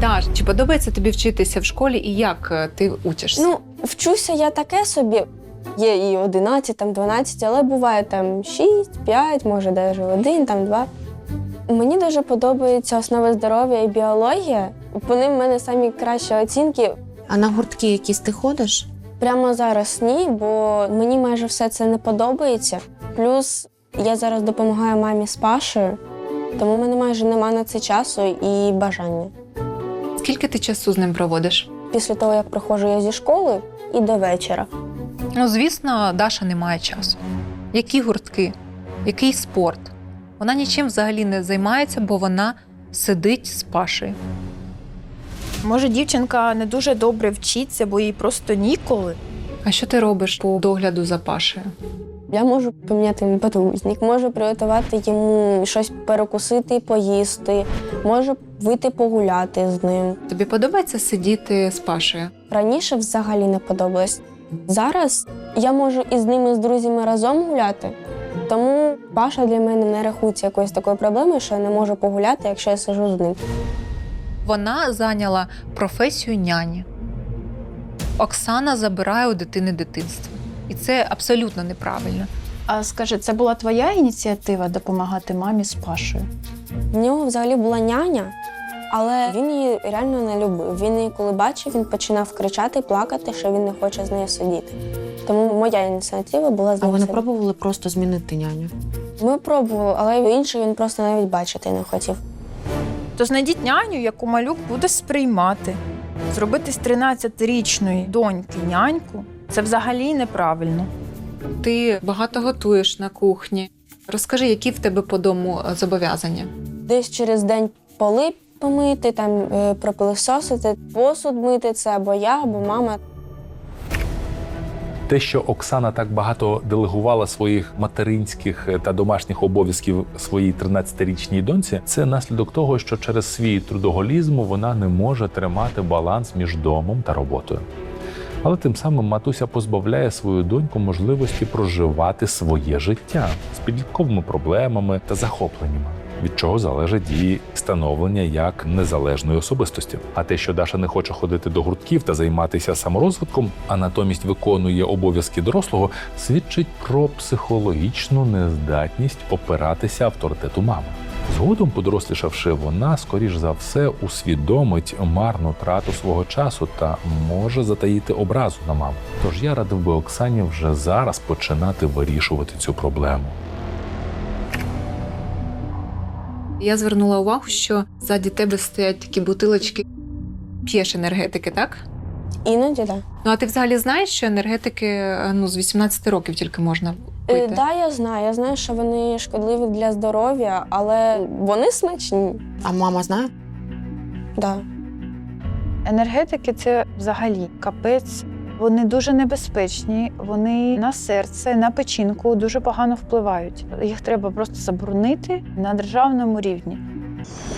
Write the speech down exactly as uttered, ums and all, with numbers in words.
Даш, чи подобається тобі вчитися в школі і як ти учишся? Ну, вчуся я таке собі. Є і одинадцять, там дванадцять, але буває там шість, п'ять, може навіть один, там два. Мені дуже подобаються основи здоров'я і біологія. По ним в мене самі кращі оцінки. А на гуртки якісь ти ходиш? Прямо зараз ні, бо мені майже все це не подобається. Плюс я зараз допомагаю мамі з Пашею, тому в мене майже нема на це часу і бажання. Скільки ти часу з ним проводиш? Після того, як приходжу я зі школи, і до вечора. Ну, звісно, Даша не має часу. Які гуртки? Який спорт? Вона нічим взагалі не займається, бо вона сидить з Пашею. Може, дівчинка не дуже добре вчиться, бо їй просто ніколи. А що ти робиш по догляду за Пашею? Я можу поміняти йому подгузник, можу приготувати йому щось перекусити, поїсти, можу вийти погуляти з ним. Тобі подобається сидіти з Пашею? Раніше взагалі не подобалось. Зараз я можу із ними, з друзями разом гуляти, тому Паша для мене не рахується якоюсь такою проблемою, що я не можу погуляти, якщо я сиджу з ним. Вона зайняла професію няні. Оксана забирає у дитини дитинство. І це абсолютно неправильно. А скажи, це була твоя ініціатива допомагати мамі з Пашею? В нього взагалі була няня, але він її реально не любив. Він її, коли бачив, він починав кричати, плакати, що він не хоче з нею сидіти. Тому моя ініціатива була з А ним ви не сидіти. пробували просто змінити няню? Ми пробували, але інший він просто навіть бачити не хотів. То знайдіть няню, яку малюк буде сприймати. Зробити з тринадцятирічної доньки няньку – це взагалі неправильно. Ти багато готуєш на кухні. Розкажи, які в тебе по дому зобов'язання? Десь через день поли помити, там е, пропилисосити, посуд мити – це або я, або мама. Те, що Оксана так багато делегувала своїх материнських та домашніх обов'язків своїй тринадцятирічній доньці, це наслідок того, що через свій трудоголізм вона не може тримати баланс між домом та роботою. Але тим самим матуся позбавляє свою доньку можливості проживати своє життя з підлітковими проблемами та захопленнями, від чого залежить її становлення як незалежної особистості. А те, що Даша не хоче ходити до гуртків та займатися саморозвитком, а натомість виконує обов'язки дорослого, свідчить про психологічну нездатність опиратися авторитету мами. Згодом, подорослішавши, вона, скоріш за все, усвідомить марну трату свого часу та може затаїти образу на маму. Тож я радив би Оксані вже зараз починати вирішувати цю проблему. Я звернула увагу, що ззаді тебе стоять такі бутилочки. П'єш енергетики, так? Іноді, так. Да. Ну, а ти взагалі знаєш, що енергетики ну, з вісімнадцяти років тільки можна пити? Так, да, я знаю. Я знаю, що вони шкідливі для здоров'я, але вони смачні. А мама знає? Да. Енергетики – це взагалі капець. Вони дуже небезпечні, вони на серце, на печінку дуже погано впливають. Їх треба просто заборонити на державному рівні.